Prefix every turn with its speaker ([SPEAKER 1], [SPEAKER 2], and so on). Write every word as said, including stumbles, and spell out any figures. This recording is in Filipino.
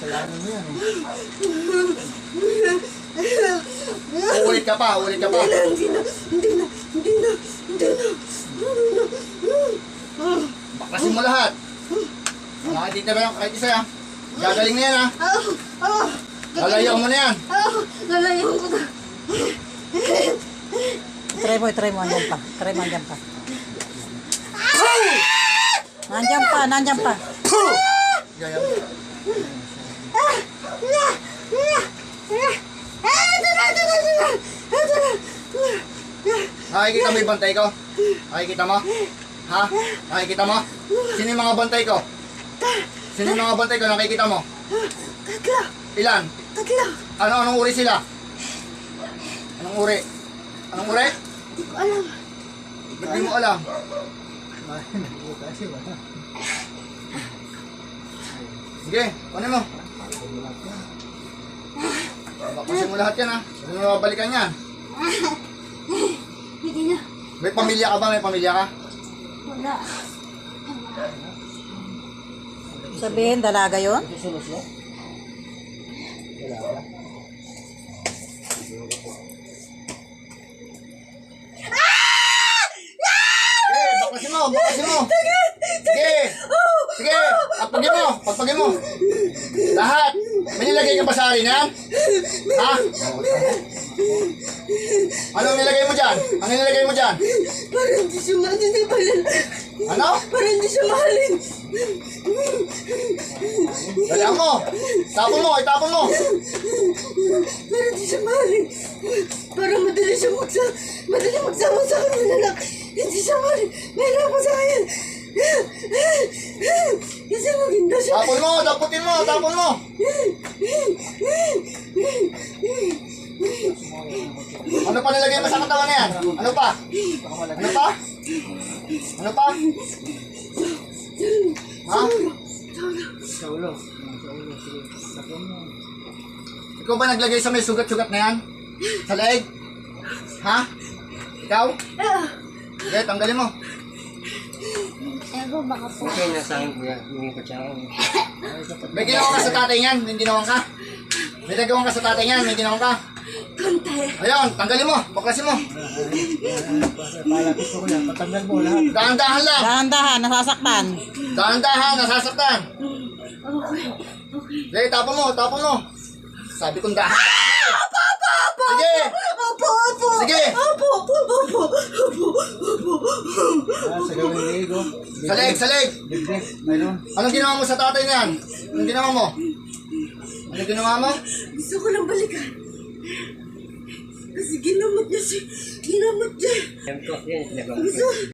[SPEAKER 1] Kailangan mo yan eh.
[SPEAKER 2] Uulit ka pa, uulit ka pa.
[SPEAKER 3] Hindi na, hindi na, hindi na, hindi na, hindi na.
[SPEAKER 2] Baklasin mo lahat. Nakatitira yung kahit isa yan. Gagaling na yan ha.
[SPEAKER 3] Ah, ah,
[SPEAKER 2] Lalayo mo na yan.
[SPEAKER 3] ah, lalayo ko na.
[SPEAKER 4] Try mo, try mo, andyan pa. Try mo, andyan pa. Nandyan pa, nandyan pa.
[SPEAKER 2] Gaya.
[SPEAKER 3] Ah, na, na, na. Ah, ito na, ito na, ito na, ito na.
[SPEAKER 2] Nakikita mo yung bantay ko? Nakikita mo? Ha? Nakikita mo? Sino yung mga bantay ko? Sino yung mga bantay ko? Nakikita mo?
[SPEAKER 3] Tatlo,
[SPEAKER 2] Ilan?
[SPEAKER 3] tatlo.
[SPEAKER 2] Ano? Anong uri sila? Anong uri? Anong uri?
[SPEAKER 3] Hindi ko alam.
[SPEAKER 2] Ba't di mo alam?
[SPEAKER 1] Kasi wala.
[SPEAKER 2] Sige, kunin mo. Bakasin mo lahat yan ha. Hindi mo mabalikan yan.
[SPEAKER 3] Hindi na.
[SPEAKER 2] May pamilya ka ba? May pamilya ka?
[SPEAKER 3] Wala.
[SPEAKER 4] Sabihin, dalaga yun?
[SPEAKER 1] Ito solusyon? Wala ka?
[SPEAKER 2] Sige, bakasin mo, bakasin mo. Sige, sige, pagpagin mo, pagpagin mo. Lahat. May nilagay ka ba sa arin yan? Ha? Anong nilagay mo dyan? Anong nilagay mo dyan?
[SPEAKER 3] Parang hindi siya mahalin. Hindi pala.
[SPEAKER 2] Ano?
[SPEAKER 3] Parang hindi siya mahalin.
[SPEAKER 2] Dalihan mo. Tapon mo, itapon mo.
[SPEAKER 3] Parang hindi siya mahalin. Parang madali siya magsa... Madali magsama sa akin ng anak. Hindi siya mahalin. Mahirapan sa akin. Kasi maganda siya.
[SPEAKER 2] Tapon mo, taputin mo, tapon mo. Ano pa nilagay mo sa katawan na yan? Ano pa? Ano pa? Ano pa? Ha?
[SPEAKER 1] Sa ulo. Sa ulo. Sige. Tapon mo.
[SPEAKER 2] Ikaw ba naglagay sa may sugat-sugat na yan? Sa leeg? Ha? Ikaw? Sige, tanggalin mo.
[SPEAKER 3] Ego, baka po.
[SPEAKER 1] Okay, nasa akin kuya. Hindi ko siya.
[SPEAKER 2] May ginawa ka sa tatay niyan, may ginawa ka. May nagawa ka sa tatay niyan, may ginawa ka.
[SPEAKER 3] Konti.
[SPEAKER 2] Ayun, tanggalin mo, baklasin mo.
[SPEAKER 1] Palapit ko na. Patanggal mo lahat.
[SPEAKER 2] Dahan-dahan lang.
[SPEAKER 4] Dahan-dahan, nasasaktan.
[SPEAKER 2] Dahan-dahan, nasasaktan.
[SPEAKER 3] Okay. Okay.
[SPEAKER 2] Sige, tapon mo, tapon mo. Sabi kong dahan-dahan.
[SPEAKER 3] Opo, opo, opo.
[SPEAKER 2] Sige.
[SPEAKER 3] Opo, opo.
[SPEAKER 2] Sige.
[SPEAKER 3] Opo, opo, opo. Opo, opo.
[SPEAKER 1] Ah, sa gawin ni Ego.
[SPEAKER 2] Sa leeg, sa leeg.
[SPEAKER 1] Bigbe. Mayroon.
[SPEAKER 2] Anong ginawa mo sa tatay niyan? Anong ginawa mo? Anong ginawa mo?
[SPEAKER 3] Gusto ko lang balikan. Kasi ginamot niya si... Ginamot niya.
[SPEAKER 1] Yan ko. Yan.
[SPEAKER 3] Gusto...